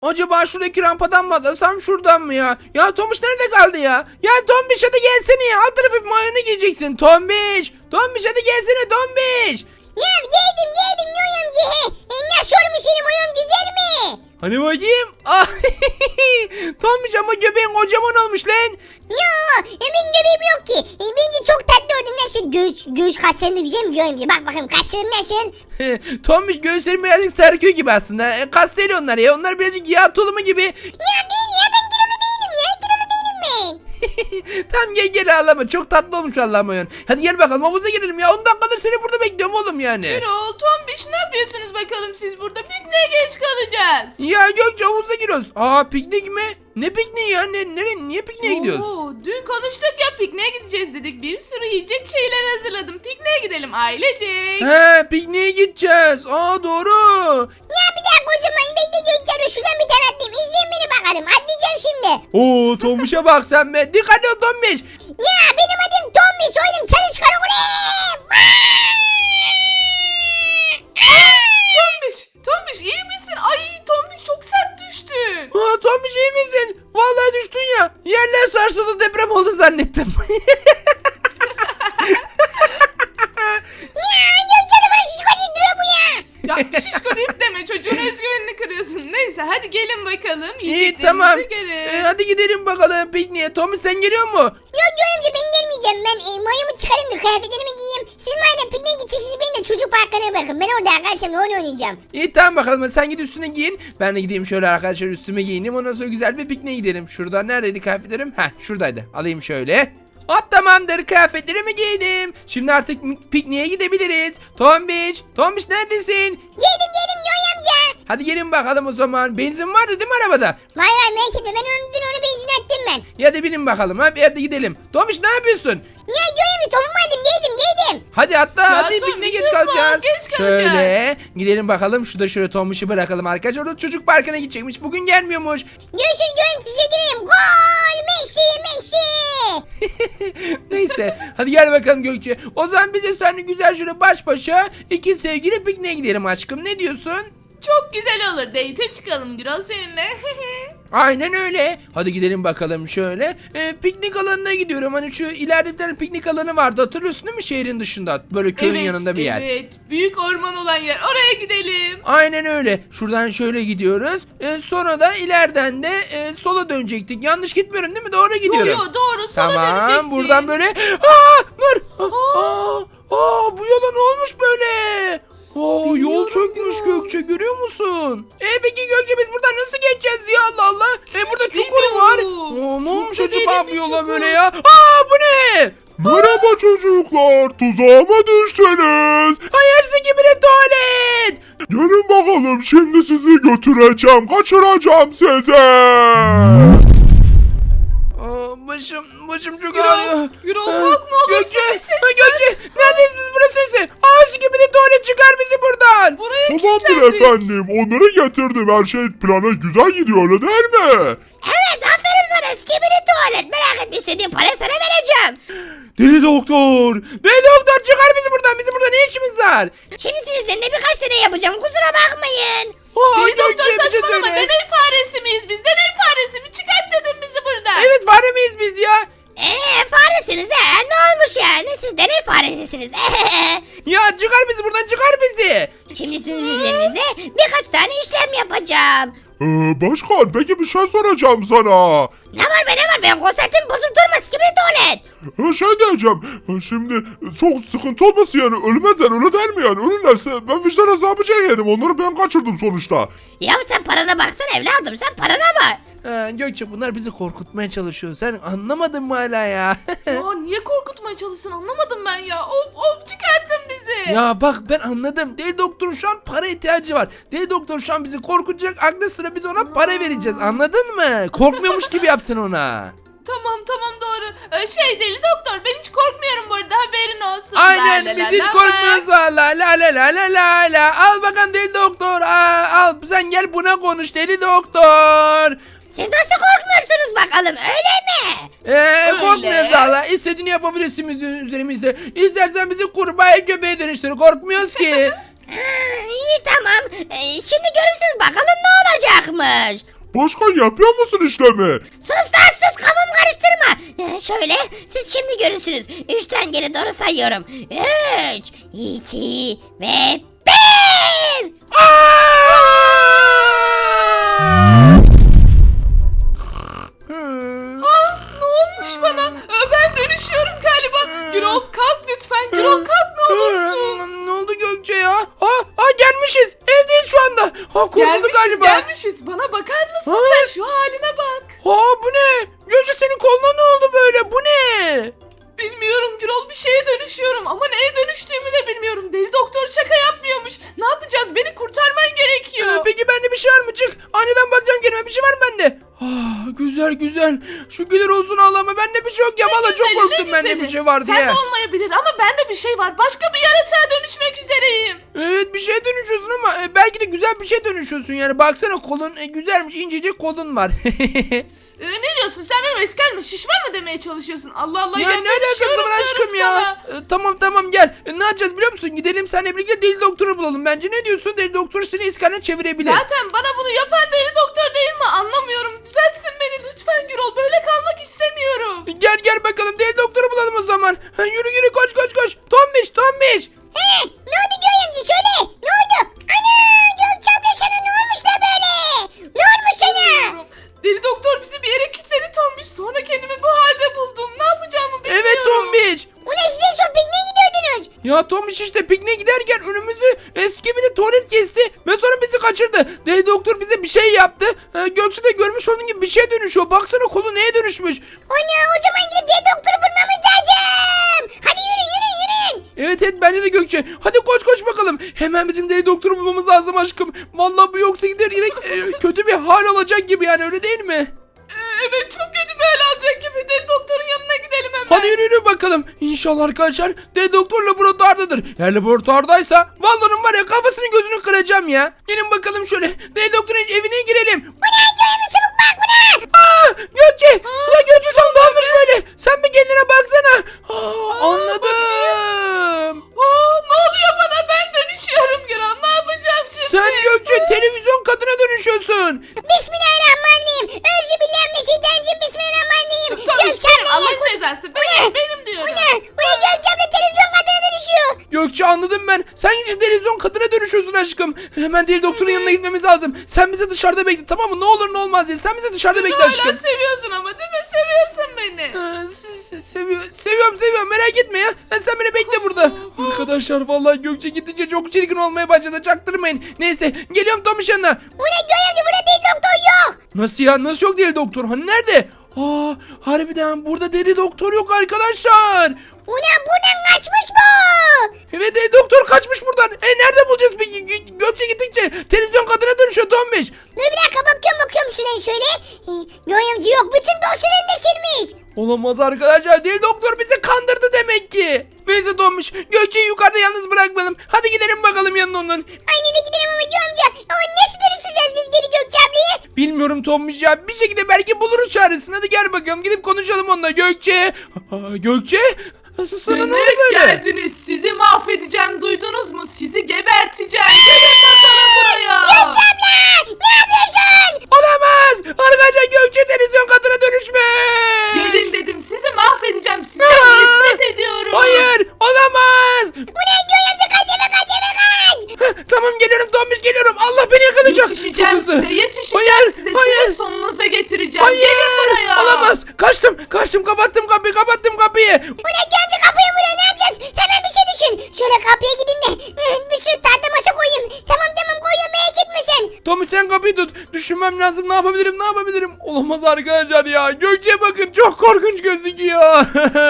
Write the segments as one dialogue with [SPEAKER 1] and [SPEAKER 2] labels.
[SPEAKER 1] Acaba şuradaki rampadan mı atlasam şuradan mı ya? Ya Tombiş nerede kaldı ya? Ya Tombiş hadi gelsene ya. Alt tarafı mayonu giyeceksin. Tombiş. Tombiş hadi gelsene Tombiş.
[SPEAKER 2] Ya geldim Yoy amca. Nasıl olmuş senin oyun güzel mi?
[SPEAKER 1] Hani bakayım. Ah, Tombiş ama göbeğin kocaman olmuş lan.
[SPEAKER 2] Yo benim göbeğim yok ki. Bence çok tatlı oldum. Nasıl göğüs kaslarım da güzel mi Yoy amca? Bak bakayım kaslarım nasıl?
[SPEAKER 1] Tombiş göğüslerim birazcık sarkıyor gibi aslında. Kas değil onlar ya. Onlar birazcık yağ tulumu gibi.
[SPEAKER 2] Ya değil ya ben kilolu değilim ya. Kilolu değilim ben.
[SPEAKER 1] Tamam gel ağlama. Çok tatlı olmuş Allah'ım oyun. Hadi gel bakalım havuza girelim ya. 10 dakikadır seni burada bekliyorum oğlum yani.
[SPEAKER 3] Erol, Tombiş ne yapıyorsunuz bakalım siz burada? Pikniğe geç kalacağız.
[SPEAKER 1] Ya Gökçe havuza giriyoruz. Aa piknik mi? Ne pikniği ya? Niye pikniğe gidiyoruz?
[SPEAKER 3] Dün konuştuk ya pikniğe gideceğiz dedik. Bir sürü yiyecek şeyler hazırladım. Pikniğe gidelim ailecek.
[SPEAKER 1] He pikniğe gideceğiz. Aa doğru.
[SPEAKER 2] Ya bir dakika o zaman bekle Gökçen'e şuradan bir tane atlayayım. İzleyin beni bakalım. Atlayacağım şimdi.
[SPEAKER 1] Oo Tombiş'e bak sen be. Dikkat et Tombiş.
[SPEAKER 2] Ya benim adım Tommy. Soyadım Çalış Karakulim.
[SPEAKER 3] Tombiş iyi misin? Ay Tombiş çok sert düştün.
[SPEAKER 1] Aa Tombiş iyi misin? Vallahi düştün ya. Yerler sarsıldı deprem oldu zannettim.
[SPEAKER 2] Ya Gökçen'e bana şişko deyip duruyor bu ya.
[SPEAKER 3] Ya şişko deyip deme çocuğun özgüvenini kırıyorsun. Neyse hadi gelin bakalım.
[SPEAKER 1] İyi
[SPEAKER 3] Yiyeceklerimizi
[SPEAKER 1] tamam.
[SPEAKER 3] görelim.
[SPEAKER 1] Hadi gidelim bakalım pikniğe. Tombiş sen geliyor mu?
[SPEAKER 2] Yok Yoy amca ben gelmeyeceğim. Ben mayomu çıkarayım da kıyafetlerimi giyeyim. Siz madem pikniğe gideceksiniz beni de çocuk parkına bırakın. Ben orada arkadaşlarımla oyun oynayacağım.
[SPEAKER 1] İyi tamam bakalım sen git üstüne giyin. Ben de gideyim şöyle arkadaşlar üstüme giyineyim. Ondan sonra güzel bir pikniğe gidelim. Şurada neredeydi kıyafetlerim? Heh şuradaydı. Alayım şöyle. Hop tamamdır kıyafetlerimi giydim. Şimdi artık pikniğe gidebiliriz. Tombiş neredesin?
[SPEAKER 2] Geldim Yoy amca.
[SPEAKER 1] Hadi gelin bakalım o zaman. Benzin vardı değil mi arabada?
[SPEAKER 2] Vay merak etme ben onu benzin attım ben.
[SPEAKER 1] Ya da binin bakalım hadi gidelim. Tombiş ne yapıyorsun?
[SPEAKER 2] Ya Yoy amca topumu aldım geldim.
[SPEAKER 1] Hadi hatta
[SPEAKER 3] Ya
[SPEAKER 1] hadi
[SPEAKER 3] Tombiş,
[SPEAKER 1] pikniğe geç
[SPEAKER 3] hızlı ol,
[SPEAKER 1] kalacağız.
[SPEAKER 3] geç kalacağız.
[SPEAKER 1] Şöyle gidelim bakalım. Şurada Tombiş'i bırakalım arkadaşlar. Orada çocuk parkına gidecekmiş. Bugün gelmiyormuş.
[SPEAKER 2] Görüşürüz Yoy amca teşekkür ederim. Gol Messi.
[SPEAKER 1] Neyse hadi gel bakalım Gökçe. O zaman biz de seninle güzel şöyle baş başa iki sevgili pikniğe gidelim aşkım. Ne diyorsun?
[SPEAKER 3] Çok güzel olur. Date'e çıkalım Gürol seninle.
[SPEAKER 1] Aynen öyle. Hadi gidelim bakalım şöyle. Piknik alanına gidiyorum. Hani şu ileride bir tane piknik alanı vardı. Hatırlıyorsun değil mi şehrin dışında? Böyle köyün yanında bir yer.
[SPEAKER 3] Evet. Büyük orman olan yer. Oraya gidelim.
[SPEAKER 1] Aynen öyle. Şuradan şöyle gidiyoruz. Sonra da ileriden de sola dönecektik. Yanlış gitmiyorum değil mi? Doğru gidiyorum.
[SPEAKER 3] Yo doğru sola
[SPEAKER 1] Tamam
[SPEAKER 3] döneceksin.
[SPEAKER 1] buradan böyle. Aa dur. Bu yola ne olmuş böyle? Yol
[SPEAKER 3] Bilmiyorum
[SPEAKER 1] çökmüş
[SPEAKER 3] Gürol.
[SPEAKER 1] Gökçe görüyor musun? Peki Gökçe biz buradan nasıl geçeceğiz ya Allah Allah? Burada çukur var.
[SPEAKER 3] bilmiyorum.
[SPEAKER 1] Ne
[SPEAKER 3] Çok
[SPEAKER 1] olmuş
[SPEAKER 3] da
[SPEAKER 1] acaba
[SPEAKER 3] derin
[SPEAKER 1] bu
[SPEAKER 3] bir
[SPEAKER 1] yola
[SPEAKER 3] çukur.
[SPEAKER 1] böyle ya? Bu ne?
[SPEAKER 4] Merhaba çocuklar, tuzağıma düştünüz.
[SPEAKER 1] Hayırsı gibi de tuvalet.
[SPEAKER 4] Gelin bakalım, şimdi sizi götüreceğim, kaçıracağım sizi.
[SPEAKER 1] Başım çok
[SPEAKER 3] Gürol,
[SPEAKER 1] ağrıyor.
[SPEAKER 3] Gürol kalk ne olursun
[SPEAKER 1] Gökçe,
[SPEAKER 3] bir ses
[SPEAKER 1] Gökçe neredeyiz biz burası sesi? Ağzı gibi de tuvalet çıkar bizi buradan.
[SPEAKER 3] Buraya
[SPEAKER 4] Tamamdır
[SPEAKER 3] kilitlendik.
[SPEAKER 4] efendim, onları getirdim, her şey plana güzel gidiyor öyle değil mi?
[SPEAKER 2] Evet aferin sana skibidi tuvalet. Merak etme istediğin para sana vereceğim.
[SPEAKER 1] Deli doktor çıkar bizi buradan. Bizim burada ne işimiz var?
[SPEAKER 2] Şimdi sizin üzerinde birkaç tane yapacağım kusura bakmayın.
[SPEAKER 3] Deli doktor
[SPEAKER 1] Gökçe, bir şey
[SPEAKER 3] saçmalama.
[SPEAKER 1] söyle.
[SPEAKER 3] Deney faresi miyiz biz? Deney faresi mi? Çıkart dedim bizi buradan.
[SPEAKER 1] Evet fare miyiz biz ya?
[SPEAKER 2] Faresiniz ne olmuş yani siz deney faresisiniz.
[SPEAKER 1] Ya çıkar bizi buradan çıkar bizi.
[SPEAKER 2] Şimdi sizin üzerinize birkaç tane işlem yapacağım.
[SPEAKER 4] Başkan, peki bir şey soracağım sana.
[SPEAKER 2] Ne var ben konseptim bozup durma skibidi tuvalet.
[SPEAKER 4] Şey diyeceğim, şimdi çok sıkıntı olmasın yani, ölmezler öyle değil mi yani? Ölürlerse ben vicdan azabı çekerim, onları ben kaçırdım sonuçta.
[SPEAKER 2] Ya sen parana baksana evladım sen parana bak.
[SPEAKER 1] Gökçe bunlar bizi korkutmaya çalışıyor. Sen anlamadın mı hala ya?
[SPEAKER 3] Ya niye korkutmaya çalışsın anlamadım ben ya. Of çıkarttın bizi.
[SPEAKER 1] Ya bak ben anladım. Deli doktorun şu an para ihtiyacı var. Deli doktor şu an bizi korkutacak. Aklı sıra biz ona para vereceğiz. Anladın mı? Korkmuyormuş gibi yapsın ona.
[SPEAKER 3] Tamam doğru. Deli doktor ben hiç korkmuyorum bu arada haberin olsun.
[SPEAKER 1] Aynen
[SPEAKER 3] La la
[SPEAKER 1] biz
[SPEAKER 3] la
[SPEAKER 1] hiç
[SPEAKER 3] la
[SPEAKER 1] korkmuyoruz valla. La la la la la la. Al bakalım deli doktor. Al sen gel buna konuş deli doktor.
[SPEAKER 2] Siz nasıl korkmuyorsunuz bakalım öyle mi?
[SPEAKER 1] Korkmuyoruz valla. İstediğini yapabilirsin bizim üzerimizde. İstersen bizi kurbağaya köpeğe dönüştür. Korkmuyoruz ki.
[SPEAKER 5] İyi tamam. Şimdi görürsünüz bakalım ne olacakmış.
[SPEAKER 4] Başkan yapıyor musun işlemi?
[SPEAKER 5] Sus lan sus kafamı karıştırma. Şöyle siz şimdi görürsünüz. 3'ten geri doğru sayıyorum. 3, 2 ve 1.
[SPEAKER 3] Ne olmuş bana? Ben dönüşüyorum galiba. Gürol kalk lütfen. Gürol kalk ne olursun.
[SPEAKER 1] Ne oldu Gökçe ya? Gelmişiz. Evdeyiz şu anda. Kurtuldu galiba.
[SPEAKER 3] Gelmişiz. Bana bakar mısın sen? Şu halime bak.
[SPEAKER 1] Bu ne? Gökçe senin koluna ne oldu böyle? Bu ne?
[SPEAKER 3] Bilmiyorum Gürol, bir şeye dönüşüyorum ama neye dönüştüğümü de bilmiyorum. Deli doktor şaka yapmıyormuş. Ne yapacağız? Beni kurtarman gerekiyor.
[SPEAKER 1] Peki bende bir şey var mı? Çık. Aniden bakacağım kendime. Bir şey var mı bende? Güzel güzel. Şükürler olsun Allah'ıma. Bende bir şey yok ya.
[SPEAKER 3] Ne
[SPEAKER 1] Valla çok
[SPEAKER 3] güzeli,
[SPEAKER 1] korktum
[SPEAKER 3] ne
[SPEAKER 1] bende
[SPEAKER 3] güzeli.
[SPEAKER 1] bir şey var diye.
[SPEAKER 3] Sende olmayabilir ama bende bir şey var. Başka bir yaratığa dönüşmek üzereyim.
[SPEAKER 1] Evet bir şeye dönüşüyorsun ama belki de güzel bir şey dönüşüyorsun yani. Baksana kolun güzelmiş, incecik kolun var.
[SPEAKER 3] Ne diyorsun? Sen benim eski halime şişman mı demeye çalışıyorsun? Allah Allah.
[SPEAKER 1] Ya
[SPEAKER 3] gel
[SPEAKER 1] ne alakası
[SPEAKER 3] dönüşüyorum
[SPEAKER 1] var aşkım
[SPEAKER 3] diyorum
[SPEAKER 1] ya?
[SPEAKER 3] sana.
[SPEAKER 1] Tamam gel. Ne yapacağız biliyor musun? Gidelim seninle birlikte deli doktoru bulalım. Bence ne diyorsun? Deli doktor seni iskanına çevirebilir.
[SPEAKER 3] Zaten bana bunu yapan deli doktor değil mi? Anlamıyorum. Düzeltsin beni lütfen Gürol. Böyle kalmak istemiyorum.
[SPEAKER 1] Gel bakalım deli doktoru bulalım o zaman. Yürü koş. Tombiş.
[SPEAKER 2] Ne oldu Göğe amca söyle. Ne oldu? Ana Gökçe abla sana ne olmuş la böyle? Ne olmuş sana?
[SPEAKER 3] Bilmiyorum. Deli doktor bizi bir yere kilitledi Tombiş. Sonra kendimi bu halde buldum. Ne yapacağımı bilmiyorum.
[SPEAKER 1] Evet Tombiş.
[SPEAKER 2] Ulan size şu pikniğe gidiyordunuz.
[SPEAKER 1] Ya Tombiş işte pikniğe giderken önümüzü eski bir de tuvalet kesti ve sonra bizi kaçırdı. Deli doktor bize bir şey yaptı. Gökçe de görmüş onun gibi bir şeye dönüşüyor. Baksana kolu neye dönüşmüş.
[SPEAKER 2] Ana o zaman gidip diye doktoru bulmamız lazım. Hadi yürüyün.
[SPEAKER 1] Evet bence de Gökçe. Hadi koş bakalım. Hemen bizim deli doktoru bulmamız lazım aşkım. Vallahi bu yoksa gider yine kötü bir hal olacak gibi yani öyle değil mi?
[SPEAKER 3] Evet çok kötü bir hal alacak gibi. Deli doktorun yanına gidelim hemen.
[SPEAKER 1] Hadi yürü bakalım. İnşallah arkadaşlar deli doktor laboratuvardadır. Eğer laboratuvardaysa vallahi var ya kafasını gözünü kıracağım ya. Gelin bakalım şöyle. Deli doktorun evine girelim.
[SPEAKER 2] Bu ne Göğe amca çabuk bak bu ne?
[SPEAKER 1] Gökçe! Ulan Gökçe sen ne olmuş böyle? Sen bir kendine baksana. Anladım.
[SPEAKER 3] Ne oluyor bana? Ben dönüşüyorum Gürol. Ne yapacağım şimdi?
[SPEAKER 1] Sen Gökçe televizyon kadına dönüşüyorsun.
[SPEAKER 2] Bismillahirrahmanirrahim. Özübillahimineşşeytanirracim. Bismillahirrahmanirrahim.
[SPEAKER 3] Tombiş
[SPEAKER 2] Gökçe
[SPEAKER 3] benim.
[SPEAKER 2] abla
[SPEAKER 3] Allah'ın
[SPEAKER 2] ya.
[SPEAKER 3] cezası.
[SPEAKER 2] Bu ne?
[SPEAKER 3] Benim diyorum.
[SPEAKER 2] Bu ne Gökçe abla televizyon kadına dönüşüyor.
[SPEAKER 1] Gökçe anladım ben. Sen gidip televizyon kadına dönüşüyorsun aşkım. Hemen deli doktorun yanına gitmemiz lazım. Sen bizi dışarıda bekle tamam mı? Ne olur ne olmaz diye. Sen bizi dışarıda bekle
[SPEAKER 3] Hala
[SPEAKER 1] aşkım.
[SPEAKER 3] seviyorsun ama değil mi? Seviyorsun beni.
[SPEAKER 1] Seviyorum merak etme ya. Sen beni bekle burada. Arkadaşlar vallahi Gökçe gidince çok çirkin olmaya başladı. Çaktırmayın. Neyse geliyorum Tomiş yanına.
[SPEAKER 2] Bu ne Göğe amca burada değil doktor yok.
[SPEAKER 1] Nasıl ya? Nasıl yok deli doktor? Hani nerede? Harbiden burada deli doktor yok arkadaşlar.
[SPEAKER 2] Bu ne buradan kaçmış bu.
[SPEAKER 1] Evet deli doktor kaçmış buradan. Nerede bulacağız peki? Gökçe gittikçe televizyon kadına dönüşüyor Tomiş.
[SPEAKER 2] Dur bir dakika bakıyorum şuradan şöyle. Göğe amca yok bütün dosyalarını silmiş.
[SPEAKER 1] Olamaz arkadaşlar. Deli doktor bizi kandırdı demek ki. Neyse Tomiş. Gökçe'yi yukarıda yalnız bırakmayalım. Hadi gidelim bakalım yanına onun.
[SPEAKER 2] Aynen gidelim ama Göğe amca. Ama nasıl dönüşeceğiz biz geri Gökçe ablayı?
[SPEAKER 1] Bilmiyorum Tomiş ya. Bir şekilde belki buluruz çaresini. Hadi gel bakalım. Gidip konuşalım onunla. Gökçe. Gökçe. Sana ne oldu
[SPEAKER 3] Demek
[SPEAKER 1] böyle?
[SPEAKER 3] geldiniz. Sizi mahvedeceğim. Duydunuz mu? Sizi geberteceğim. Gelin bakalım buraya.
[SPEAKER 2] Gökçe abla ne yapıyorsun?
[SPEAKER 1] Olamaz. Arkadaşlar Gökçe televizyon kadına dönüşmüş.
[SPEAKER 3] Gelin dedim. Sizi mahvedeceğim. Sizden nefret ediyorum.
[SPEAKER 1] Hayır. Olamaz.
[SPEAKER 2] Bu ne Göğe amca kaç eve kaç.
[SPEAKER 1] Tamam geliyorum Tomiş geliyorum. Allah beni yakalayacak.
[SPEAKER 3] Yetişeceğim
[SPEAKER 1] Çok hızlı.
[SPEAKER 3] size. Yetişeceğim
[SPEAKER 1] Hayır,
[SPEAKER 3] size.
[SPEAKER 1] hayır.
[SPEAKER 3] Sizin sonunuza getireceğim.
[SPEAKER 1] Hayır.
[SPEAKER 3] Gelin buraya.
[SPEAKER 1] Olamaz. Kaçtım. Kapattım kapıyı.
[SPEAKER 2] Bu ne Göğe amca kapıyı vuruyor ne yapacağız? Hemen bir şey düşün. Şöyle kapıya gidin de bir sürü tahta masa koyayım. Tamam koyuyorum merak etme sen.
[SPEAKER 1] Tommy sen kapıyı tut. Düşünmem lazım. Ne yapabilirim? Olamaz arkadaşlar ya. Gökçe'ye bakın. Çok korkunç gözüküyor.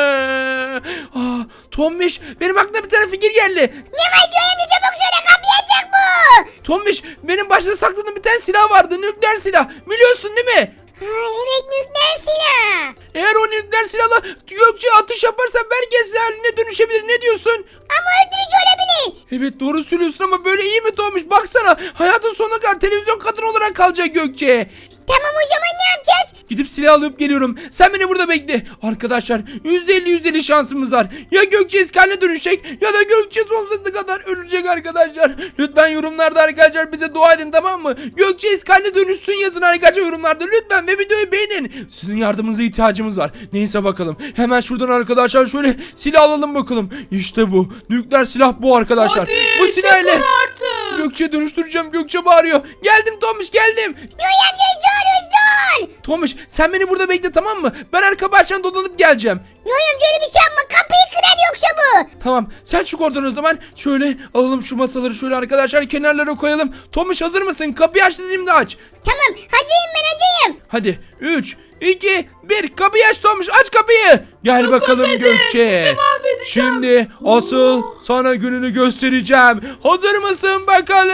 [SPEAKER 1] Tombiş benim aklıma bir tane fikir geldi.
[SPEAKER 2] Ne var Göğe amca çabuk söyle kapıyı açacak bu.
[SPEAKER 1] Tombiş benim başta sakladığım bir tane silah vardı. Nükleer silah. Biliyorsun değil mi?
[SPEAKER 2] Evet nükleer silah.
[SPEAKER 1] Eğer o nükleer silahla Gökçe'ye atış yaparsan herkes haline dönüşebilir. Ne diyorsun?
[SPEAKER 2] Ama öldürücü olabilir.
[SPEAKER 1] Evet doğru söylüyorsun ama böyle iyi mi Tombiş? Baksana hayatın sonuna kadar televizyon kadın olarak kalacak Gökçe.
[SPEAKER 2] Tamam o zaman ne yapacağız?
[SPEAKER 1] Gidip silah alıp geliyorum. Sen beni burada bekle. Arkadaşlar %50 şansımız var. Ya Gökçe eskaline dönüşecek ya da Gökçe sonsuza kadar ölecek arkadaşlar. Lütfen yorumlarda arkadaşlar bize dua edin, tamam mı? Gökçe eskaline dönüşsün yazın arkadaşlar yorumlarda lütfen ve videoyu beğenin. Sizin yardımınıza ihtiyacımız var. Neyse bakalım. Hemen şuradan arkadaşlar şöyle silah alalım bakalım. İşte bu. Nükleer silah bu arkadaşlar.
[SPEAKER 3] Hadi
[SPEAKER 1] Bu silahla
[SPEAKER 3] çakıl artık.
[SPEAKER 1] Gökçe'ye dönüştüreceğim. Gökçe bağırıyor. Geldim Tomuş, geldim.
[SPEAKER 2] Yoy amca dur.
[SPEAKER 1] Tomuş sen beni burada bekle, tamam mı? Ben arka bahçeden dolanıp geleceğim.
[SPEAKER 2] Yoy amca öyle bir şey yapma, kapıyı kırar yoksa bu.
[SPEAKER 1] Tamam sen çık oradan o zaman. Şöyle alalım şu masaları şöyle arkadaşlar kenarlara koyalım. Tomuş hazır mısın? Kapıyı aç dediğimde aç.
[SPEAKER 2] Tamam hacıyım ben hacıyım.
[SPEAKER 1] Hadi 3, 2, 1 kapıyı aç Tomuş, aç kapıyı. Gel
[SPEAKER 3] Çok
[SPEAKER 1] bakalım
[SPEAKER 3] dedim,
[SPEAKER 1] Gökçe.
[SPEAKER 3] sizi mahvedeceğim.
[SPEAKER 1] Şimdi asıl sana gününü göstereceğim. Hazır mısın bakalım?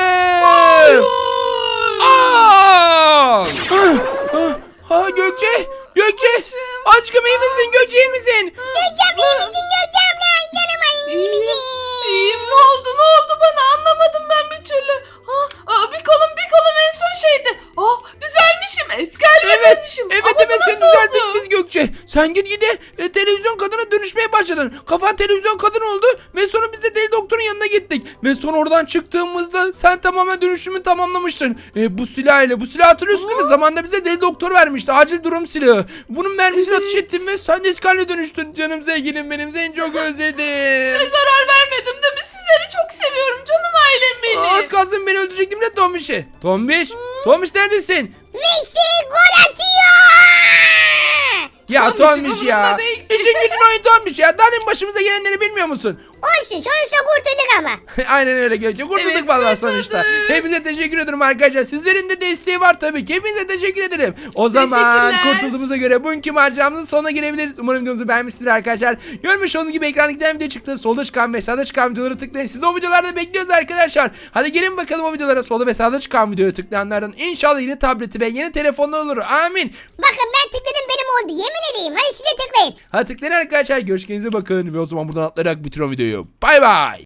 [SPEAKER 1] Aa! Ha Gökçe! Gökçe! Aşkım iyi misin? Gökçe iyi misin?
[SPEAKER 2] Gökçem iyi misin Gökçem lan? Canım ay iyi misin?
[SPEAKER 3] İyiyim, ne oldu bana, anlamadım ben bir türlü. Bir kolum en son şeydi. Düzelmişim, eski halime dönmüşüm.
[SPEAKER 1] Evet
[SPEAKER 3] Ama bu
[SPEAKER 1] seni
[SPEAKER 3] nasıl
[SPEAKER 1] düzelttik
[SPEAKER 3] oldu?
[SPEAKER 1] biz Gökçe. Sen gide televizyon kadına dönüşmeye başladın. Kafan televizyon kadın oldu ve sonra biz de deli doktorun yanına gittik. Ve sonra oradan çıktığımızda sen tamamen dönüşümü tamamlamıştın. Bu silah hatırlıyorsun değil mi? Zamanında bize deli doktor vermişti. Acil durum silahı. Bunun mermisini
[SPEAKER 3] Evet.
[SPEAKER 1] atış ettin ve sen de eski haline dönüştün. Canım sevgilim benim, seni çok özledim.
[SPEAKER 3] Size zarar vermedim değil mi? Sizleri çok seviyorum canım ailem benim.
[SPEAKER 1] Az kalsın beni öldürecektim de Tombiş'i. Tombiş! Tombiş neredesin?
[SPEAKER 2] Messi gol atıyor.
[SPEAKER 1] Ya
[SPEAKER 3] Tombiş'in
[SPEAKER 1] Tombiş ya.
[SPEAKER 3] umurunda değil ki.
[SPEAKER 1] İşin gücün oyun Tombiş ya. Daha demin başımıza gelenleri bilmiyor musun?
[SPEAKER 2] Olsun sonuçta kurtulduk ama.
[SPEAKER 1] Aynen öyle Gökçe. Kurtulduk
[SPEAKER 3] Evet,
[SPEAKER 1] vallahi
[SPEAKER 3] kurtulduk.
[SPEAKER 1] sonuçta. Hepinize teşekkür ederim arkadaşlar. Sizlerin de desteği var tabii ki. Hepinize teşekkür ederim. O zaman
[SPEAKER 3] Teşekkürler.
[SPEAKER 1] kurtulduğumuza göre bugünkü maceramızın sonuna gelebiliriz. Umarım videomuzu beğenmişsiniz arkadaşlar. Görmüş olduğunuz gibi ekranda giden video çıktı. Solda çıkan ve sağda çıkan videoları tıklayın. Siz de o videolarda bekliyoruz arkadaşlar. Hadi gelin bakalım o videolara. Solda ve sağda çıkan videoyu tıklayanlardan inşallah yeni tableti ve yeni telefonlar olur. Amin.
[SPEAKER 2] Bakın ben tıkladım benim oldu yemin edeyim. Hadi siz de tıklayın.
[SPEAKER 1] Hadi tıklayın arkadaşlar. Görüşkenize bakın. Ve o zaman buradan atlayarak bitiriyorum videoyu. Bay bay.